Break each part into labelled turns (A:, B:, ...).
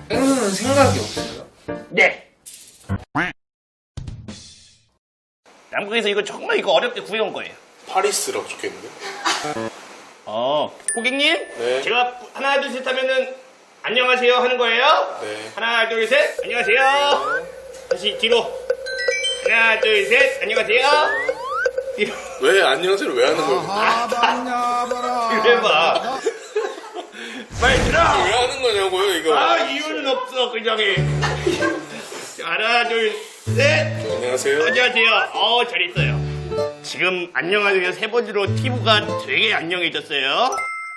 A: 펭수는 생각이 없어요?
B: 네. 남극에서 이거 정말 이거 어렵게 구해온 거예요.
C: 파리스라고 적혀있는데?
B: 고객님,
C: 네.
B: 제가 하나 둘 셋 하면은 안녕하세요 하는 거예요.
C: 네.
B: 하나 둘 셋 안녕하세요. 다시 뒤로. 하나 둘 셋 안녕하세요. 뒤로.
C: 왜 안녕하세요 왜 하는 거예요?
B: 이래봐. 빨리 들어.
C: 왜 하는 거냐고요 이거?
B: 이유는 없어 그냥 해. 하나 둘 셋.
C: 안녕하세요.
B: 안녕하세요. 잘했어요. 지금 안녕하세요 세 번째로 피부가 되게 안녕해졌어요.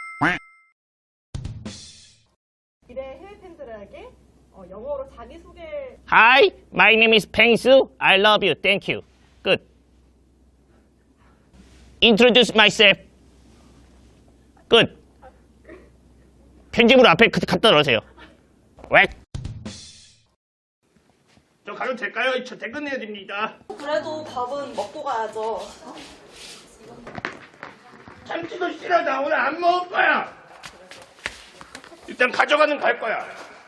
D: 미래 해외 팬들에게 영어로 자기소개.
B: Hi, my name is Pengsu. I love you. Thank you. Good. Introduce myself. Good. 편집으로 앞에 갖다 넣으세요. 왜? 저 가도 될까요? 저 퇴근해야 됩니다.
D: 그래도 밥은 먹고 가야죠.
B: 참치도 싫어. 나 오늘 안 먹을 거야. 일단 가져가는 갈 거야.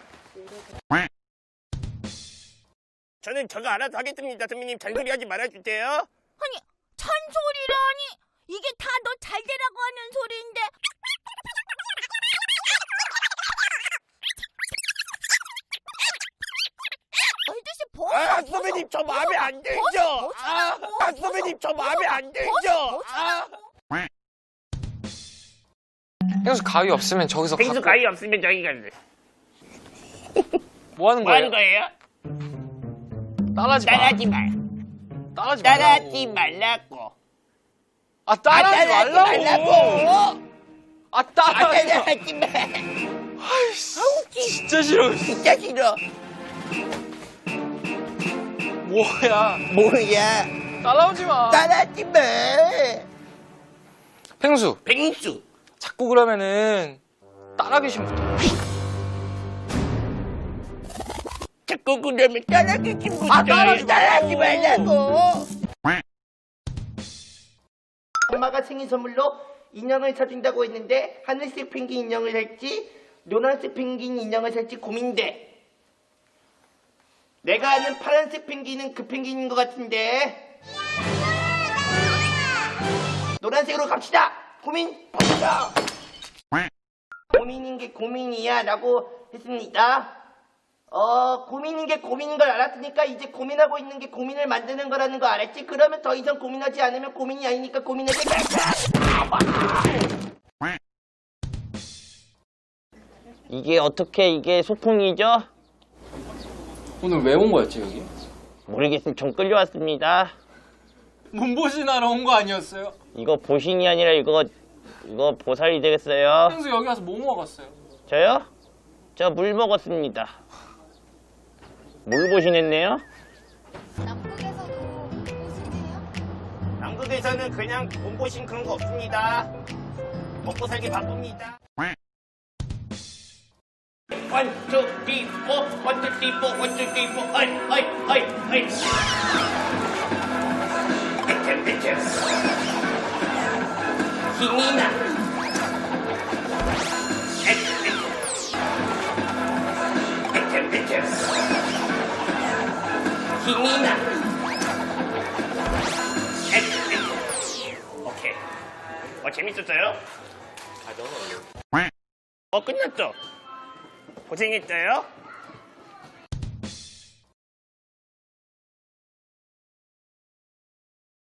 B: 저는 저거 알아서 하겠습니다. 선배님 잔소리 하지 말아주세요.
E: 아니, 잔소리라니. 이게 다 너 잘 되라고 하는 소리인데. 아저씨 벗어.
B: 선배님 저 마음에 안 들죠? 선배님 저 마음에 안 들죠?
A: 펭수 가위 없으면 저기서
B: 펭수
A: 갖고
B: 가위 없으면 저기 갈래.
A: 뭐 하는
B: 뭐 하는
A: 거예요?
B: 거예요?
A: 따라하지 마.
B: 따라하지 마.
A: 따라하지
B: 따라하지
A: 말라고.
B: 말라고.
A: 아 따라하지 말라고. 아 따라하지 마.
B: 따라하지 마.
A: 아이씨, 진짜 싫어.
B: 진짜 싫어.
A: 뭐야?
B: 뭐야?
A: 따라오지 마.
B: 따라하지 마.
A: 펭수
B: 펭수.
A: 자꾸 그러면은 따라하기 싫부터.
B: 자꾸 그러면 따라하기 싫어.
A: 따라하지
B: 따라하지
A: 말라고.
B: 말라고. 엄마가 생일 선물로 인형을 사준다고 했는데 하늘색 펭귄 인형을 살지 노란색 펭귄 인형을 살지 고민돼. 내가 아는 파란색 펭귄은 그 펭귄인 것 같은데 노란색으로 갑시다. 고민 갑시다. 고민인 게 고민이야 라고 했습니다. 고민인 게 고민인 걸 알았으니까 이제 고민하고 있는 게 고민을 만드는 거라는 거 알았지? 그러면 더 이상 고민하지 않으면 고민이 아니니까 고민하지 말자. 이게 어떻게 이게 소풍이죠?
A: 오늘 왜 온 거였지 여기?
B: 모르겠으면 좀 끌려왔습니다.
A: 문보신하러 온 거 아니었어요?
B: 이거 보신이 아니라 이거 보살이 되겠어요.
A: 펭수 여기 와서 뭐 먹었어요?
B: 저요? 저 물 먹었습니다. 물 보신했네요?
E: 남극에서도 보시네요?
B: 남극에서는 그냥 몸보신 그런 거 없습니다. 먹고 살기 바쁩니다. 1, 2, 3, 4, 1, 2, 3, 4, 1, 2, 3, 4, 어이. 애템. 힘이 나. 애템. 힘이 나. 오케이. 재밌었어요? 끝났죠? 고생했어요?